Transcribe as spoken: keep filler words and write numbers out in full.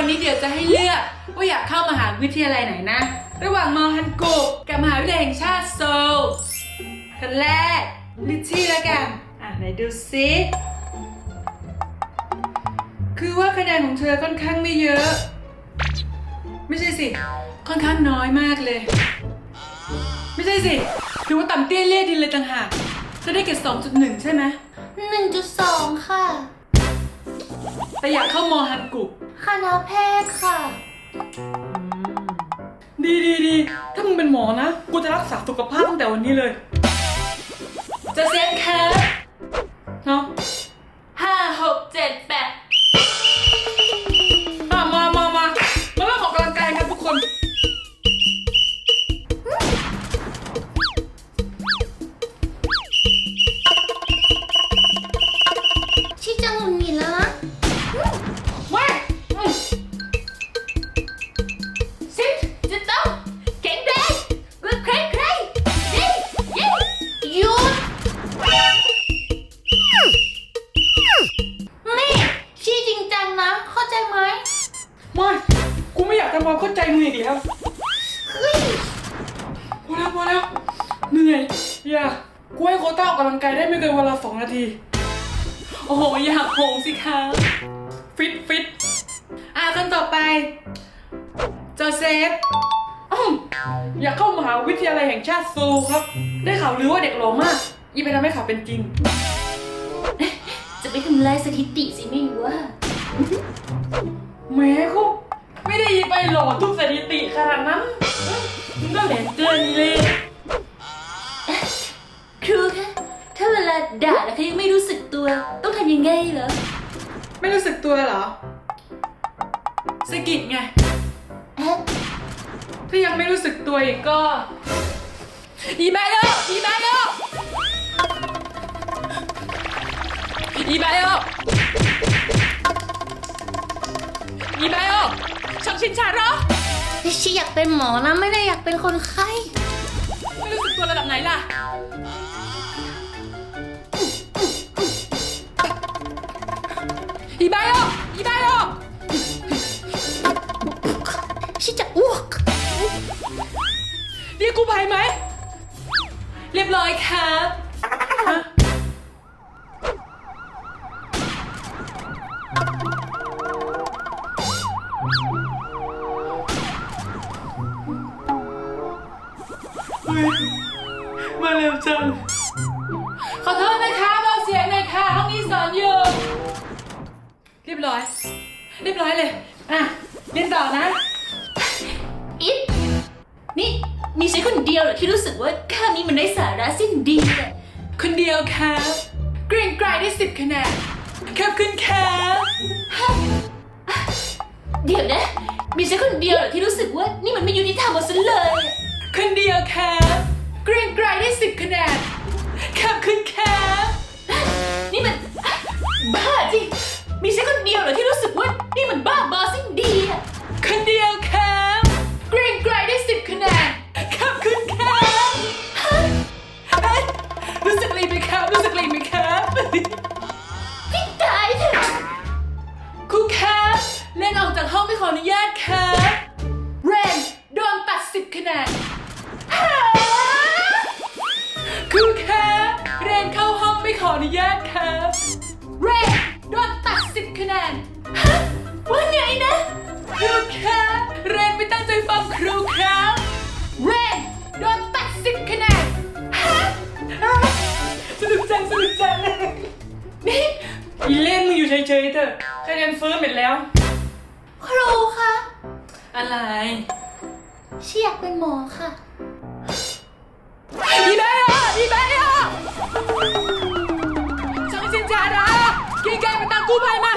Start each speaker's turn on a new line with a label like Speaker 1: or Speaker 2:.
Speaker 1: นี้เดี๋ยวจะให้เลือกว่าอยากเข้ามหาวิทยาลัยไหนนะระหว่างมอฮันกุกกับมหาวิทยาลัยแห่งชาติโซลคนแรกลิชชี่แล้วกันอ่ะไหนดูซิคือว่าคะแนนของเธอค่อนข้างไม่เยอะไม่ใช่สิค่อนข้างน้อยมากเลยไม่ใช่สิถือว่าต่ำเตี้ยเลี่ยดินเลยต่างหากเธอได้เกรด สองจุดหนึ่ง ใช่ไหม
Speaker 2: หนึ่งจุดสอง ค่ะ
Speaker 1: แต่อยากเข้ามอฮันกุก
Speaker 2: คณะแพทย์ค่ะ
Speaker 1: ดีดีดีถ้ามึงเป็นหมอนะกูจะรักษาสุขภาพตั้งแต่วันนี้เลยจะเซ็นแคสเนาะห้าหกเจ็ดแปดมามามามามาเริ่มออกกำลังกายกันทุกคน
Speaker 2: ชิจังหงุดหงิดแล้วนะ
Speaker 1: ว้า
Speaker 2: ซิจะต้องแข็งแรงกว่าใครใครดิยิงหยุดนี่ชี้จริงจังนะเข้าใจไหม
Speaker 1: ไม่กูไม่อยากทำความเข้าใจมึงอีกแล้ว
Speaker 2: เฮ้ย
Speaker 1: พอแล้วพอแล้วเหนื่อยอย่ากูให้โควต้าออกกำลังกายได้ไม่เกินวันละสองนาทีโอ้โหอยากโหงสิคะฟิตฟิตอ่ะคนต่อไปโจเซฟอ้าวอยากเข้ามหาวิทยาลัยแห่งชาติโซลครับได้ข่าวลือว่าเด็กหล่อมากอีไปทำให้ข่าวเป็นจริง
Speaker 2: จะไปทำลายสถิติสิไม่ว่า
Speaker 1: แหม้คุไม่ได้ไปหล่อทุกสถิติขนาดนั้นมึงก็แหลมเกินเลย
Speaker 2: ครูคะถ้าเวลาด่าแล้วเขายังไม่รู้สึกตัวต้องทำยังไงเหรอ
Speaker 1: ไม่รู้สึกตัวเหรอสะกิดไงถ้ายังไม่รู้สึกตัวอีกก็อีแบโยอีแบโยอีแบโยอีแบโยช่างชินชาเหรอ
Speaker 2: ชีอยากเป็นหมอนะไม่ได้อยากเป็นคนไข้
Speaker 1: ไม่รู้สึกตัวระดับไหนล่ะอีแบโยอีแบโย
Speaker 2: ชีจะอ้วก
Speaker 1: เรียกกู้ภัยไหมเรียบร้อยครับมาเร็วจังขอโทษนะคะเบาเสียงหน่อยค่ะห้องนี้สอนอยู่เรียบร้อยเรียบร้อยเลยอ่ะเรียนต่อนะ
Speaker 2: อิดนี่มีฉันคนเดียวเหรอที่รู้สึกว่าข้านี้มันได้สาระสิ้นดีเลย
Speaker 1: คนเดียวครับเกรงไกรได้สิบคะแนนครับคุณครับ
Speaker 2: เดี๋ยวนะมีฉันคนเดียวเหรอที่รู้สึกว่านี่มันไม่ยุติธรรมเอาซะเลย
Speaker 1: คนเดียวครับเกรงไกรได้สิบคะแนนครับคุณครับ
Speaker 2: นี่มันบ้าจริงมีฉันคนเดียวเหรอที่รู้สึกว่านี่มันบ้าบอสิ้นดีอะ
Speaker 1: คนเดียวครับเกรงไกรได้สิบคะแนนครับคุณครับรู้สึกอะไรไหมครับรู้สึกอะไรไหมครับ
Speaker 2: พี่ตายเถอะ
Speaker 1: ครูครับเล่นออกจากห้องไม่ขออนุญาตครับเรนโดนตัดสิบคะแนนครูครับเรนเข้าห้องไม่ขออนุญาตครับเรนโดนตัดสิบคะแนน
Speaker 2: ว่าไงนะ
Speaker 1: ครูครับเรนไม่ตั้งใจฟังครูครับเรนโดนตัดสิบคะแนนสนุกจังสนุกจังนี่อีเล่นมึงอยู่เฉยๆเถอะคะแนนเฟิร์มหมดแล้ว
Speaker 2: ครูคะ
Speaker 1: อะไร
Speaker 2: ชีอยากเป็นหมอค่ะ
Speaker 1: อีแม่อะอีแม่อะช่างชินชาดากินไก่มาตามกู้ภัยไหม